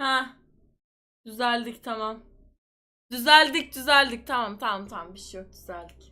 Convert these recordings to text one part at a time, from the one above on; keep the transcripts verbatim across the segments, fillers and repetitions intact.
Ha. Düzeldik tamam. Düzeldik düzeldik tamam tamam tamam bir şey yok düzeldik.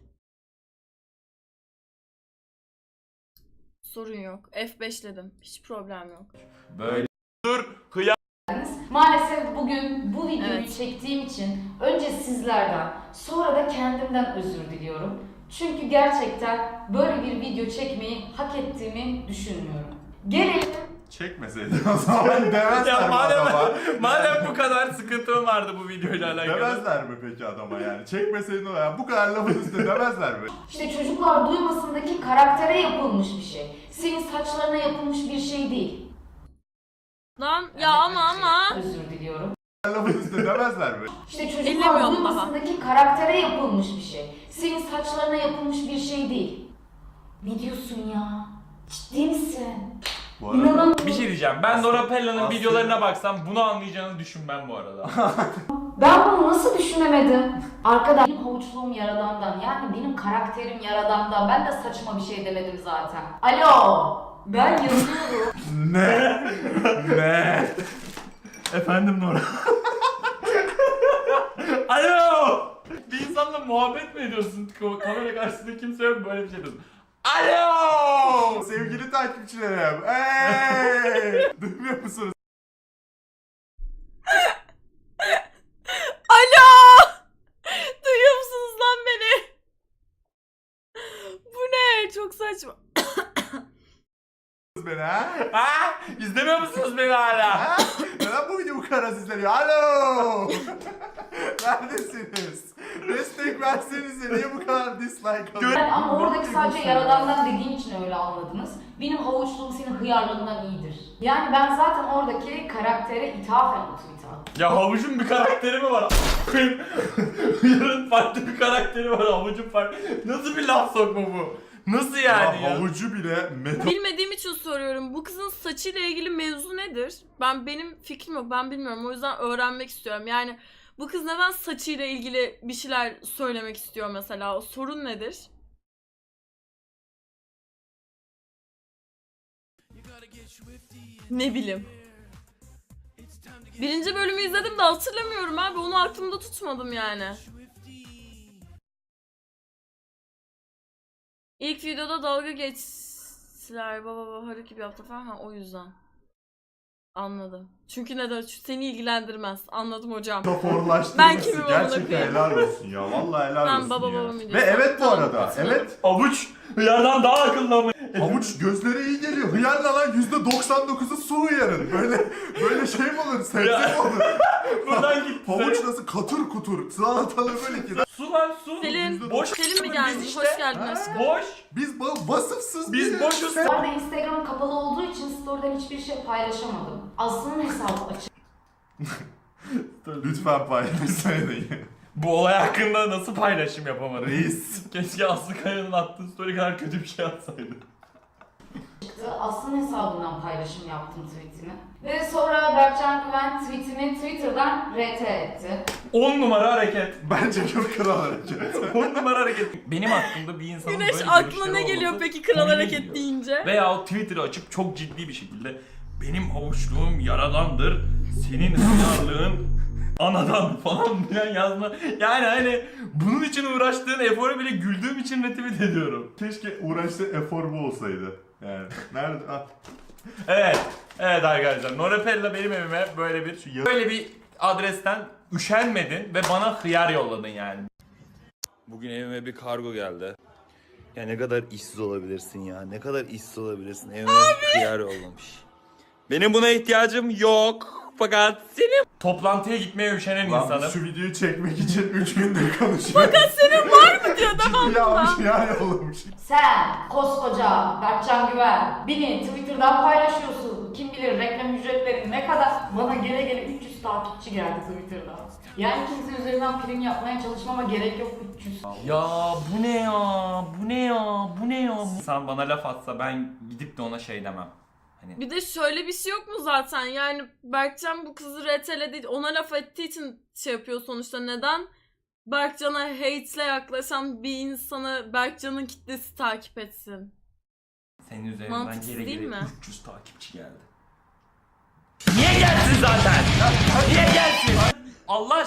Sorun yok. F beşledim. Hiç problem yok. Böyle dur kıyam. Maalesef bugün bu videoyu Evet. çektiğim için önce sizlerden sonra da kendimden özür diliyorum. Çünkü gerçekten böyle bir video çekmeyi hak ettiğimi düşünmüyorum. Gelelim Çekmeseydin o zaman demezler Ya mi madem, adama? madem bu kadar sıkıntım vardı bu videoyla alakalı. Demezler mi peki adama yani? Çekmeseydin o ya bu kadar lafın üstüne demezler mi? işte çocuklar duymasındaki karaktere yapılmış bir şey. Senin saçlarına yapılmış bir şey değil. Lan ya ama ama. Özür diliyorum. Lafın üstüne demezler mi? İşte çocuklar Ellemiyorum duymasındaki karaktere yapılmış bir şey. Senin saçlarına yapılmış bir şey değil. Ne diyorsun ya? Ciddi misin? Bu arada İnanamıyorum. Bir şey diyeceğim. Ben Nora Pella'nın Aslında- videolarına baksam bunu anlayacağını düşünmem bu arada. Ben bunu nasıl düşünemedim? Arkadaş benim havuçluğum yaradandan, yani benim karakterim yaradandan. Ben de saçma bir şey demedim zaten. Alo, ben yazıyorum. ne? Ne? Efendim Nora. Alo! Bir insanla muhabbet mi ediyorsun? Kamera karşısında kimse yok böyle bir şey diyorsun. Alo! Sevgili takipçilerim. Hey! Duymuyor musunuz? Alo! Duyuyor musunuz lan beni? Bu ne? Çok saçma. Beni ha? Ha? İzlemiyor musunuz beni hala? Ha? Neden bu video bu kadar izleniyor? Alo! Neredesiniz? Destek versenize niye bu kadar dislike alıyor? Ben, ama oradaki sadece yaradandan dediğim için öyle anladınız. Benim havuçluğum senin hıyarlığından iyidir. Yani ben zaten oradaki karaktere ithafen o tweet'i attım. Ya havucun bir karakteri mi var? Yarın farklı bir karakteri var, havucun farklı. Nasıl bir laf sokma bu? Nasıl yani Ya ya? havucu bile metal Bilmediğim için soruyorum. Bu kızın saçıyla ilgili mevzu nedir? Ben benim fikrim yok. Ben bilmiyorum. O yüzden öğrenmek istiyorum. Yani bu kız neden saçıyla ilgili bir şeyler söylemek istiyor mesela? O sorun nedir? Ne bileyim. Birinci bölümü izledim de hatırlamıyorum abi. Onu aklımda tutmadım yani. İlk videoda dalga geçtiler. Baba baba Haruki gibi yaptı falan. Ha, o yüzden. Anladım. Çünkü neden? Çünkü seni ilgilendirmez. Anladım hocam. metaforlaştırması. Ben kimim amına Gerçekten koyayım? helal olsun ya. Vallahi helal Ben olsun baba ya. babamı Ve diyorsun. evet bu Tamam, arada. katılıyorum. Evet. Havuç hıyardan daha akıllı ama. Havuç gözlere iyi geliyor. Hıyar ne lan? yüzde doksan dokuzu su hıyarın. Böyle böyle şey mi olur? Sebze Ya. mi olur? Buradan git. Havuç nasıl katır kutur. Salatalı böyle ki. Su lan su. Selin, Boş. Selin mi Biz gelmiş? işte- Hoş geldin Ha? aşkım. Boş. Biz ba- vasıfsız Biz bir- boşuz. Bu arada Instagram'ım kapalı olduğu için story'den hiçbir şey paylaşamadım. Aslı'nın hesabı açık. Lütfen paylaşsaydın. Bu olay hakkında nasıl paylaşım yapamadım? Reis. Keşke Aslı Kaya'nın attığı story kadar kötü bir şey atsaydı. Aslı'nın hesabından paylaşım yaptım tweetimi. Ve sonra Berkcan Güven tweetimi Twitter'dan R T etti. on numara hareket. Bence çok kral hareket. on numara hareket. Benim hakkımda bir insanın Güneş böyle aklına görüşleri ne geliyor olması peki kral komiğime hareket gidiyor. deyince? Veya o Twitter'ı açıp çok ciddi bir şekilde benim havuçluğum yaradandır, senin hıyarlığın anadan falan filan yazma. Yani hani bunun için uğraştığın eforu bile güldüğüm için retweet ediyorum. Keşke uğraştığı efor bu olsaydı. Yani nerede? Ah. Evet, evet arkadaşlar. Nora Pella benim evime böyle bir böyle bir adresten üşenmedin ve bana hıyar yolladın yani. Bugün evime bir kargo geldi. Ya ne kadar işsiz olabilirsin ya. Ne kadar işsiz olabilirsin. Evime hıyar yollamış. Benim buna ihtiyacım yok. Fakat senin... Toplantıya gitmeye üşenen Lan insanım. biz şu videoyu çekmek için üç gündür konuşuyoruz. Fakat senin var mı diyor devamlı. Yapmış yer yollamış. Sen koskoca Berkcan Güven beni Twitter'dan paylaşıyorsun. Kim bilir reklam ücretleri ne kadar. Bana gele gele üç yüz takipçi geldi Twitter'dan. Yani kimse üzerinden prim yapmaya çalışmama gerek yok üç yüz. Ya bu ne ya? Bu ne ya? Bu ne ya? İnsan bana laf atsa ben gidip de ona şey demem. Hani Bir de şöyle bir şey yok mu zaten? Yani Berkcan bu kızı reteledi, ona laf ettiği için şey yapıyor sonuçta. Neden Berkcan'a hate'le yaklaşan bir insanı Berkcan'ın kitlesi takip etsin? senin üzerinden Mantıksız geri değil geri mi? üç yüz takipçi geldi. Niye gelsin zaten?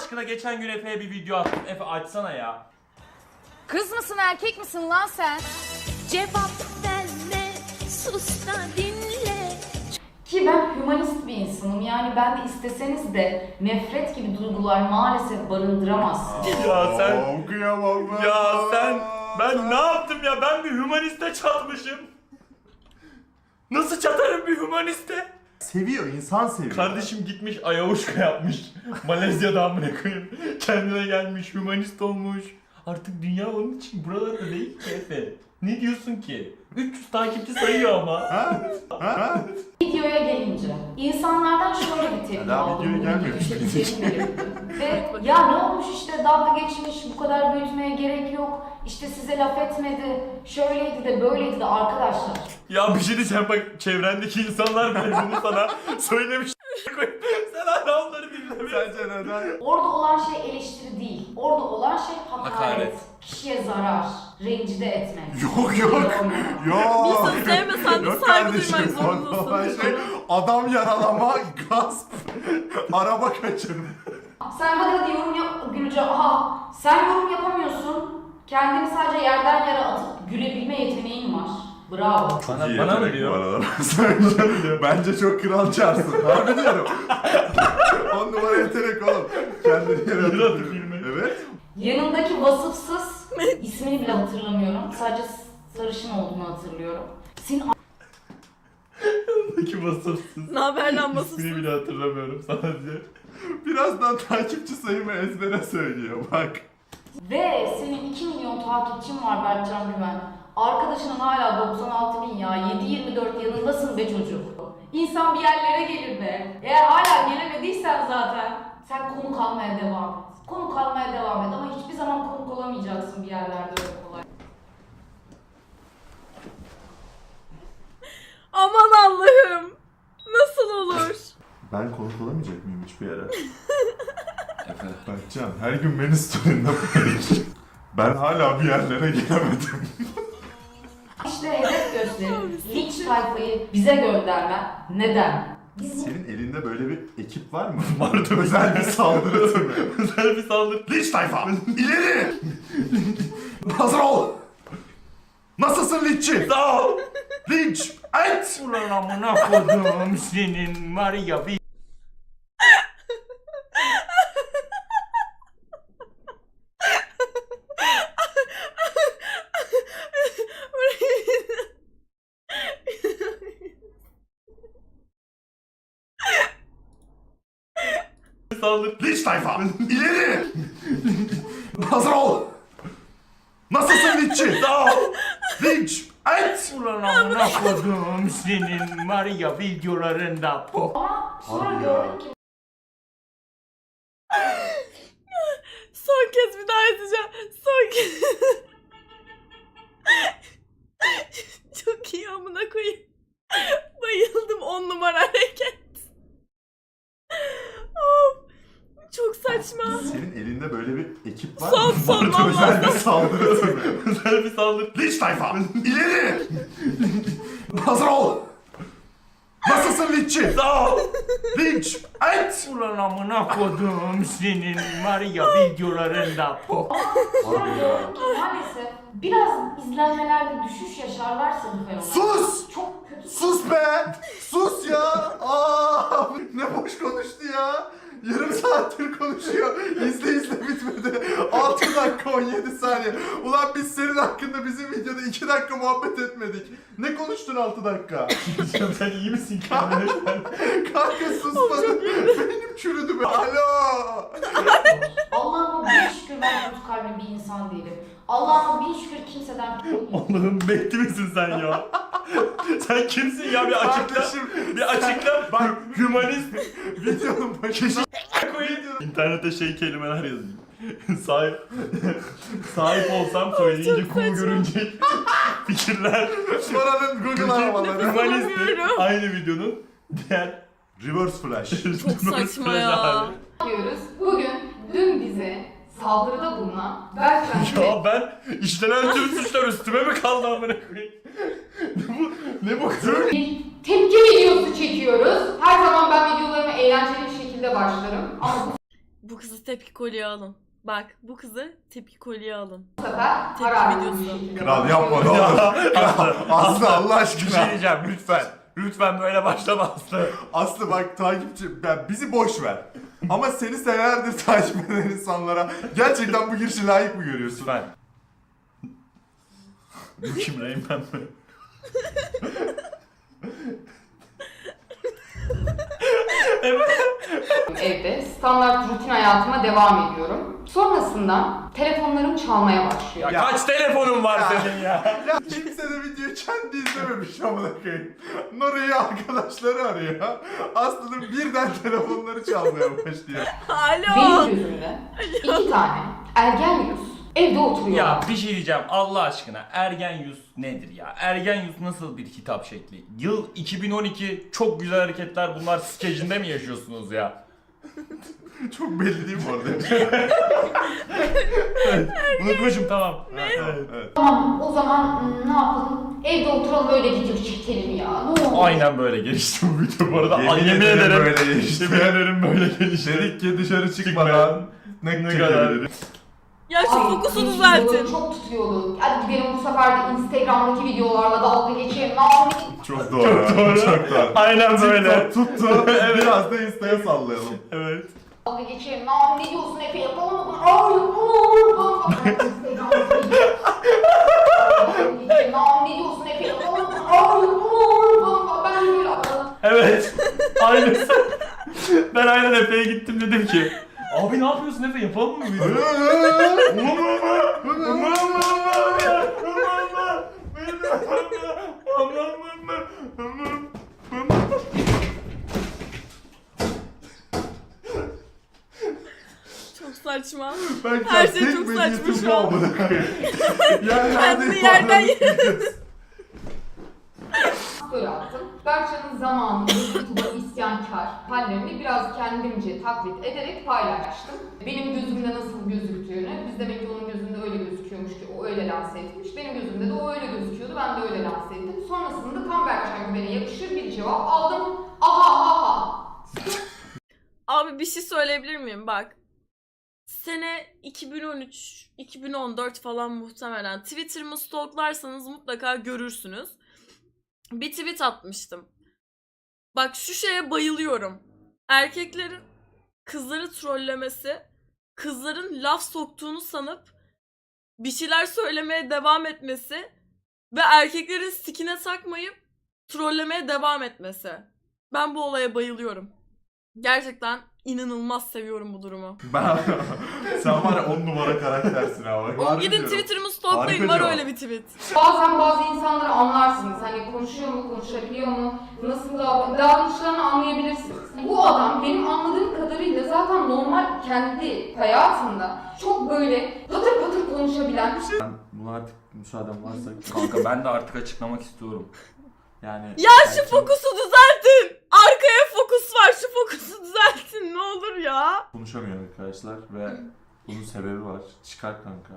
aşkına geçen gün Efe'ye bir video attım. Efe açsana ya. Kız mısın erkek misin lan sen? Cevap verme, sus da dinle. Ki ben hümanist bir insanım. Yani ben de isteseniz de nefret gibi duygular maalesef barındıramazsın. Ya sen... Aa, kıyamam ben. Ya sen... Ben ne yaptım ya? Ben bir hümaniste çatmışım. Nasıl çatarım bir hümaniste? Seviyor, insan seviyor. Kardeşim gitmiş ayavuşka yapmış. Malezya'da amına koyayım. Kendine gelmiş, hümanist olmuş. Artık dünya onun için buralarda değil ki Efe. Ne diyorsun ki? üç yüz takipçi sayıyor ama. Ha? Ha? Videoya gelince insanlardan şöyle bir tepki Daha aldım. videoya Bugün gelmemiş. işte verildi. Ve ya ne olmuş işte dalga geçmiş, bu kadar büyütmeye gerek yok. İşte size laf etmedi, şöyleydi de böyleydi de arkadaşlar. Ya bir şey diyeceğim bak çevrendeki insanlar bile bunu sana söylemiş. Sen hala onları dinlemiyorsun. Sence neden? Orada olan şey eleştiri değil. Orada olan şey hakaret. Hakaret. Kişiye zarar, rencide etmek. Yok yok. Bir Yok. insan sevmesen de Yok saygı kardeşim, duymak orada olan zorundasın. şey adam yaralama, gasp, araba kaçırma. Sen hadi hadi yorum yap Gülce. Aha sen yorum yapamıyorsun. Kendini sadece yerden yere atıp gülebilme yeteneğin var. Bravo. Bana, İyi bana mı yetenek bu diyor? arada. Bence, bence çok kral çarsın. Harbi diyorum. On numara yetenek oğlum. Kendini yere Yere atıp atıp gülmek. Evet. Yanındaki vasıfsız ismini bile hatırlamıyorum. Sadece sarışın olduğunu hatırlıyorum. Senin Peki vasıfsız. Ne haber lan İsmini basılsın? bile hatırlamıyorum sadece. Birazdan takipçi sayımı ezbere söylüyor bak. ve senin iki milyon takipçin var Berkcan Güven. Arkadaşının hala doksan altı bin ya. yedi yirmi dört yanındasın be çocuk. İnsan bir yerlere gelir be. Eğer hala gelemediysen zaten sen konuk almaya devam et. Konuk almaya devam et ama hiçbir zaman konuk olamayacaksın bir yerlerde öyle kolay. Aman Allah'ım. Nasıl olur? Ben konuk olamayacak mıyım hiçbir yere? Berkcan her gün beni story'inde paylaş. Ben hala bir yerlere gelemedim. İşte hedef gösterip linç tayfayı bize göndermen neden? Biz Senin elinde böyle bir ekip var mı? Vardı. Özel bir saldırı türü. Özel bir saldırı. Linç tayfa! İleri! Hazır ol! Nasılsın linççi? Sağ ol. Linç! Et! Ulan amına kodum senin var ya bir... Saldır. Linç tayfa! İleri! Hazır ol! Nasılsın linççi? Sağ ol. Linç! Et! Ulan amına kodum senin var ya videolarında pop. ama sonra Harbi ya. gördük ki Son kez bir daha izleyeceğim. Son kez. Çok iyi amına koyayım. Bayıldım on numara hareket. Of. Çok saçma. Senin elinde böyle bir ekip var Son, mı? son, Vardı, özel vallahi. bir saldırı türü. Özel bir saldırı. Linç tayfa! İleri! Hazır ol! Nasılsın linççi? Sağ ol. Linç! Et! Ulan amına kodum senin var ya videolarında pop. sonra Harbi ya. gördük ki maalesef biraz izlenmelerde düşüş yaşarlarsa bu fenomen. Sus! Çok kötü. Sus be! Sus ya! Aa, ne boş konuştu ya! Yarım saattir konuşuyor. İzle izle bitmedi. altı dakika on yedi saniye. Ulan biz senin hakkında bizim videoda iki dakika muhabbet etmedik. Ne konuştun altı dakika? Sen iyi misin kendine? Kanka susmadın. Benim çürüdü be. Alo! Allah'ıma bin şükür ben kötü kalpli bir insan değilim. Allah'ıma bin şükür kimseden korkmuyorum. Allah'ım bekli misin sen ya? Sen kimsin ya bir açıkla. Kardeşim, Bir açıkla. Bak hümanist. Videonun başında koyayım. İnternete şey kelimeler yazayım. Sahip sahip olsam söyleyince cool görünecek fikirler. Paranın Google aramaları. Hümanist Alamıyorum. aynı videonun diğer Reverse flash. Çok saçma ya. Yapıyoruz. Bugün dün bize saldırıda bulunan Berkcan Güven Ya ben işlenen tüm suçlar üstüme mi kaldı amına koyayım? Ne bu? Ne bu kız? bir tepki videosu çekiyoruz. Her zaman ben videolarıma eğlenceli bir şekilde başlarım. Ama bu Bu kızı tepki kolyeye alın. Bak bu kızı tepki kolyeye alın. Bu sefer Tepki kararlı videosu. bir şekilde Kral yapma ne olur. Kral, Aslı Allah Bir şey aşkına. diyeceğim lütfen. Lütfen böyle başlama Aslı. Aslı bak takipçi, yani bizi boş ver. Ama seni senelerdir takip eden insanlara gerçekten bu girişi layık mı görüyorsun? Lütfen. Bu kim Reymen mi? Evde standart rutin hayatıma devam ediyorum. Sonrasında telefonlarım çalmaya başlıyor. Ya, kaç telefonun var Ya. senin ya? Ya kimse de videoyu kendi izlememiş amına koyayım. Nora'yı arkadaşları arıyor. Aslı'nın birden telefonları çalmaya başlıyor. Alo. Benim gözümde iki tane ergen yüz evde oturuyor. Ya bir şey diyeceğim Allah aşkına Ergen Yus nedir ya? Ergen Yus nasıl bir hitap şekli? Yıl iki bin on iki çok güzel hareketler bunlar skecinde mi yaşıyorsunuz ya? Çok belli değil mi orada? Unutmuşum tamam. Evet, evet. Tamam o zaman hmm, ne yapalım? Evde oturalım öyle video çekelim ya. Ne olur. Aynen böyle gelişti bu video bu arada. Yemin Ay, yemin ederim ederim. böyle gelişti. Yemin ederim böyle gelişti. Dedik ki dışarı çıkmadan ne, Ne kadar. kadar. Ya şu Ay, fokusu videoları düzeltin. Çok tutuyordu. Hadi gidelim bu sefer de Instagram'daki videolarla dalga geçelim. Ne yapalım? Çok doğru. Çok doğru. Çok doğru. Aynen böyle. TikTok tuttu. Biraz da Insta'ya sallayalım. Evet. Dalga geçelim. Ne yapalım? Ne diyorsun Efe? Yapalım mı bunu? Ay yapalım. Instagram'daki video. Dalga geçelim. Ne yapalım? Ne diyorsun Efe? Yapalım mı bunu? Ay yapalım. Ben böyle yapalım. Evet. Aynısı. Ben aynen Efe'ye gittim dedim ki abi ne yapıyorsun Efe yapalım mı video? Çok saçma. Ben Her şey tek çok medeniyetim saçma şu bu an. amına koyayım. Yani Kendini yerden Böyle attım. Berkcan'ın zamanında YouTube'a isyankar hallerini biraz kendimce taklit ederek paylaştım. Benim gözümde nasıl gözüktüğünü, biz demek ki onun gözünde öyle gözüküyormuş ki o öyle lanse etmiş. Benim gözümde de o öyle gözüküyordu, ben de öyle lanse ettim. Sonrasında tam Berkcan Güven'e yakışır bir cevap aldım. Aha aha. Abi bir şey söyleyebilir miyim? Bak. Sene iki bin on üç iki bin on dört falan muhtemelen. Twitter'ımı stalklarsanız mutlaka görürsünüz. Bir tweet atmıştım. Bak şu şeye bayılıyorum. Erkeklerin kızları trollemesi, kızların laf soktuğunu sanıp bir şeyler söylemeye devam etmesi ve erkeklerin sikine takmayıp trollemeye devam etmesi. Ben bu olaya bayılıyorum. Gerçekten inanılmaz seviyorum bu durumu. Ben, sen var ya on numara karaktersin abi. O gidin Twitter'ımı stalklayın, Harika var cevap. öyle bir tweet. Bazen bazı insanları anlarsınız. Hani konuşuyor mu, konuşabiliyor mu, nasıl davran davranışlarını anlayabilirsiniz. Bu adam benim anladığım kadarıyla zaten normal kendi hayatında çok böyle patır patır konuşabilen. Buna artık müsaaden varsa Kanka ben de artık açıklamak istiyorum. yani... Ya şu fokusu düzeltin. Arkaya fokus var. Şu fokusu düzeltin. Ne olur ya. Konuşamıyor arkadaşlar ve bunun sebebi var. Çıkar kanka.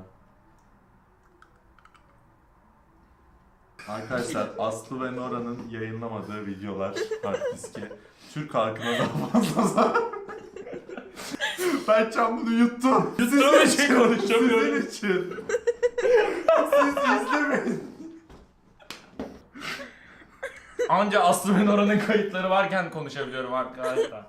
Arkadaşlar Aslı ve Nora'nın yayınlamadığı videolar hard diske Türk halkına daha fazla zarar. Berkcan bunu yuttum. Yuttuğum Sizin için için, konuşamıyorum. Sizin için. Siz izlemeyin. Anca Aslı ve Nora'nın kayıtları varken konuşabiliyorum arkadaşlar.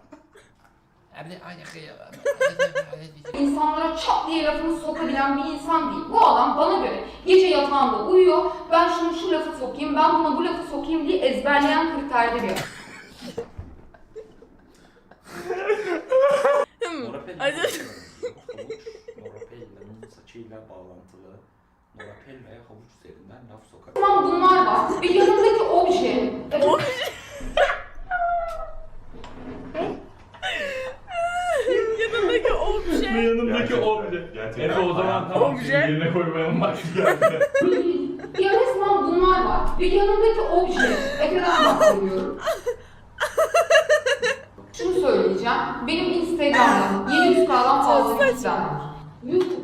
İnsanlara çat diye lafını sokabilen bir insan değil. Bu adam bana göre gece yatağında uyuyor, ben şunu şu lafı sokayım, ben buna bu lafı sokayım diye ezberleyen kriterde bir adam. Hmm. Norapel Acı- havuç, Norapel'in saçıyla bağlantılı. Norapel ve havuç üzerinden laf sokar. Tamam bunlar var ve yanındaki obje. Yanındaki obje. Yanımdaki obje. Gerçekten. Efe o zaman tamam Obje. şimdi yerine koymayalım bak geldi. Ya resmen bunlar var ve yanındaki obje. Efe'den bahsediyorum. Şunu söyleyeceğim, benim Instagram'da yedi yüz K'dan fazla kitlem var. YouTube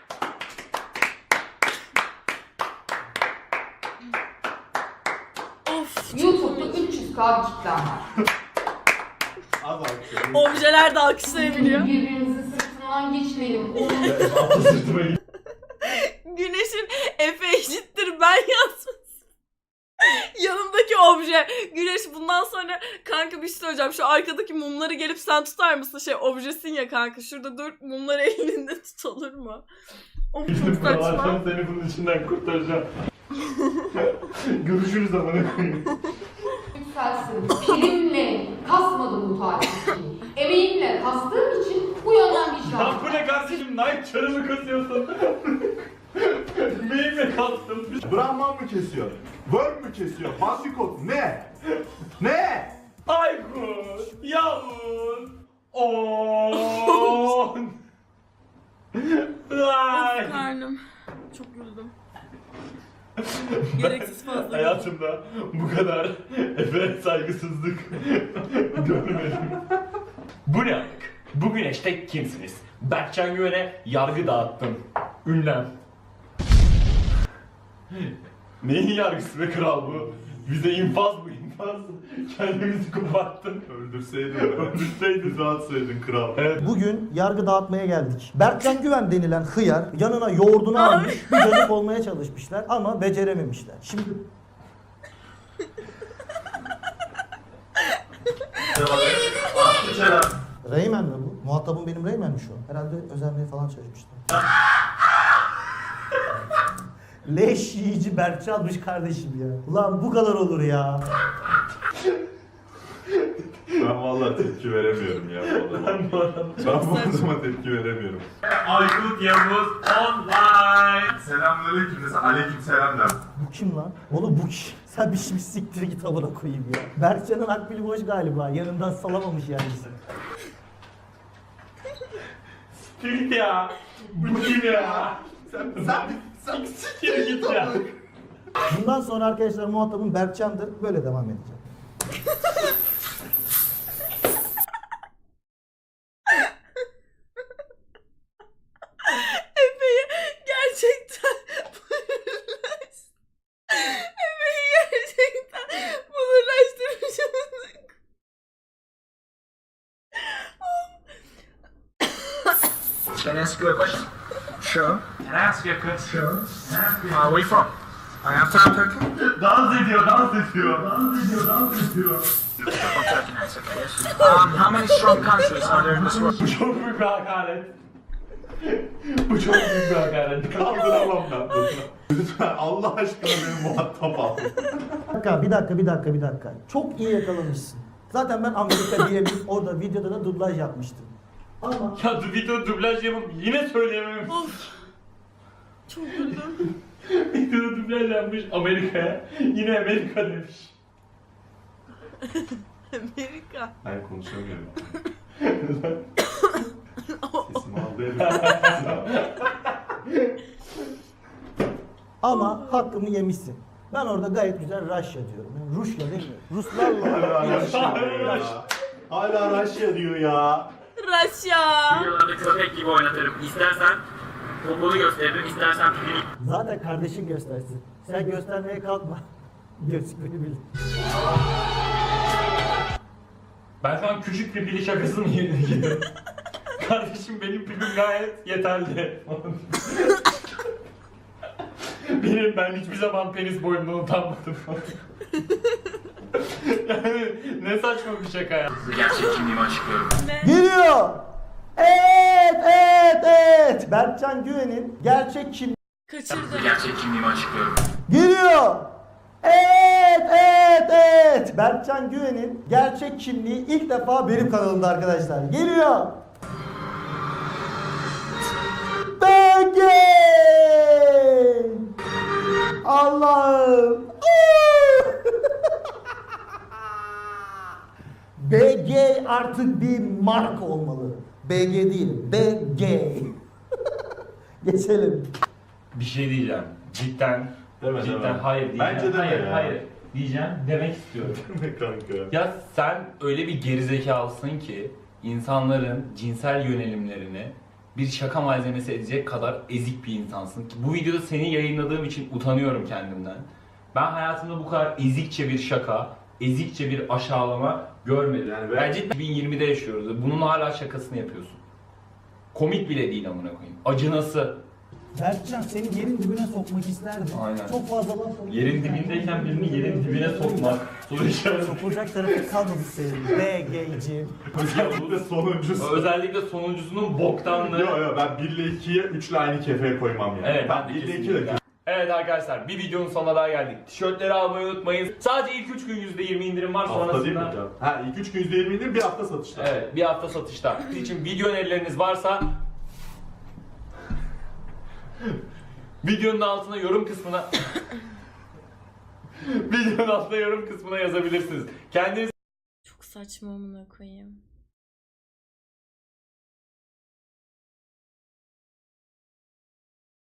Of. YouTube'da üç yüz K bir kitlem var. Az alkışlayın. Objeler de alkışlayabiliyor. Birbirinizi sık Buradan geçmeyelim. Onun Güneşin Efe eşittir ben yazması. Yanımdaki obje. Güneş bundan sonra kanka bir şey söyleyeceğim. Şu arkadaki mumları gelip sen tutar mısın? Şey objesin ya kanka. Şurada dur mumları elinde tut olur mu? O çok saçma. Seni bunun içinden kurtaracağım. Görüşürüz amına koyayım. yükselsin. Primle kasmadım bu tarihi. Emeğimle kastığım için bu yönden bir iş Lan yaptım. bu ne kardeşim? Nike çarımı kasıyorsun. Beyimle kastım. Brahman mı kesiyor? Worm mü kesiyor? Bandikot ne? Ne? Aykut, Yavuz, On. Ay. Karnım. Çok yoruldum. Gereksiz fazla. Hayatımda bu kadar Efe'ye saygısızlık görmedim. Bu ne amık? Bu güneşte kimsiniz? Berkcan Güven'e yargı dağıttım. Ünlem. Neyin yargısı be kral bu? Bize infaz bu infaz. Kendimizi koparttın. Öldürseydin. Öldürseydin. Rahatsaydın kral. Evet. Bugün yargı dağıtmaya geldik. Berkcan Güven denilen hıyar yanına yoğurdunu almış, bir dönüp olmaya çalışmışlar ama becerememişler. Şimdi Reymen mi bu? Muhatabım benim Reymen mi şu an? Herhalde özenmeye falan çalışmışlar. Leş yiyici Berkcan'mış kardeşim ya. Ulan bu kadar olur ya. Ben vallahi tepki veremiyorum ya bu adama. Ben bu adama tepki veremiyorum. Aykut Yavuz online. Selamünaleyküm. Aleyküm selam der. Bu kim lan? Oğlum bu kim? Sen bir şimdi siktir git amına koyayım ya. Berkcan'ın akbili boş galiba. Yanından salamamış yani seni. Git ya. Bu kim ya? Sen, sen, sen Siktir git ya. Bundan sonra arkadaşlar muhatabım Berkcan'dır. Böyle devam edeceğim. Efe'yi gerçekten Efe'yi gerçekten bunurlaştırmışım. Can I ask you a question? Sure. Can I ask you a question? Sure. Where are we from? I am from Turkey. Dans ediyor, dans ediyor. Dans ediyor, dans ediyor. From Turkey, that's okay. Yes. Um, how many strong countries are there in this world? Bu çok büyük bir hakaret. Bu çok büyük bir hakaret. Kaldıramam ben bunu. Lütfen Allah aşkına beni muhatap al. Bir dakika, bir dakika, bir dakika, bir dakika. Çok iyi yakalamışsın. Zaten ben Amerika diye bir orada videoda da dublaj yapmıştım. Ama Ya du video dublaj yapıp yine söyleyemem. Of. Çok güldüm. Videoda dublaj yapmış Amerika'ya. Yine Amerika demiş. Amerika. Ben konuşamıyorum. Sesimi aldı ama hakkımı yemişsin. Ben orada gayet güzel Rusya diyorum. Yani Rusya demiyorum. Ruslarla. Hala Raşya diyor ya. Hala Raşya diyor ya. Rusya. Videolarda köpek gibi oynatırım. İstersen poponu gösteririm, istersen pilini. Zaten kardeşin göstersin. Sen göstermeye kalkma. Gözükmeni bil. Ben şu an küçük bir pili şakasını yedim. Kardeşim benim pilim gayet yeterli. Benim ben hiçbir zaman penis boyumdan utanmadım. Yani ne saçma bir şaka ya. Gerçek kimliğimi açıklıyorum. Geliyor. Evet, evet, evet. Berkcan Güven'in gerçek kimliği Kaçırdım. Gerçek kimliğimi açıklıyorum. geliyor. Evet, evet, evet. Berkcan Güven'in gerçek kimliği ilk defa benim kanalımda arkadaşlar. Geliyor. B G. Allah'ım. B G artık bir marka olmalı. B G değil, B G. Geçelim. Bir şey diyeceğim. Cidden. Deme, cidden deme. hayır diyeceğim. Bence deme hayır, ya. hayır. Diyeceğim. Demek istiyorum. Ne kanka? Ya sen öyle bir gerizekalısın ki insanların cinsel yönelimlerini bir şaka malzemesi edecek kadar ezik bir insansın ki bu videoda seni yayınladığım için utanıyorum kendimden. Ben hayatımda bu kadar ezikçe bir şaka, ezikçe bir aşağılama görmedim. Yani Yani ben- ben cidden iki bin yirmide yaşıyoruz. Bunun hala şakasını yapıyorsun. Komik bile değil amına koyayım. Acınası. Berkcan seni yerin dibine sokmak isterdi. Aynen. Çok fazla laf oldu. Yerin dibindeyken birini yerin dibine sokmak. Soru işareti. Sokulacak tarafı kalmadı senin. B, G'ci. Özellikle sonuncusu. Özellikle sonuncusunun boktanlığı. Yo yo ben bir ile ikiye üç ile aynı kefeye koymam yani. Evet, ben ben de bir ile iki kesinlikle. de Evet arkadaşlar, bir videonun sonuna daha geldik. Tişörtleri almayı unutmayın. Sadece ilk üç gün yüzde yirmi indirim var, hafta değil mi? sonrasında... Ha ilk üç gün yüzde yirmi indirim, bir hafta satışta. Evet, bir hafta satışta. Sizin için video önerileriniz varsa videonun altına yorum kısmına videonun altına yorum kısmına yazabilirsiniz. Kendinize Çok saçma amına koyayım.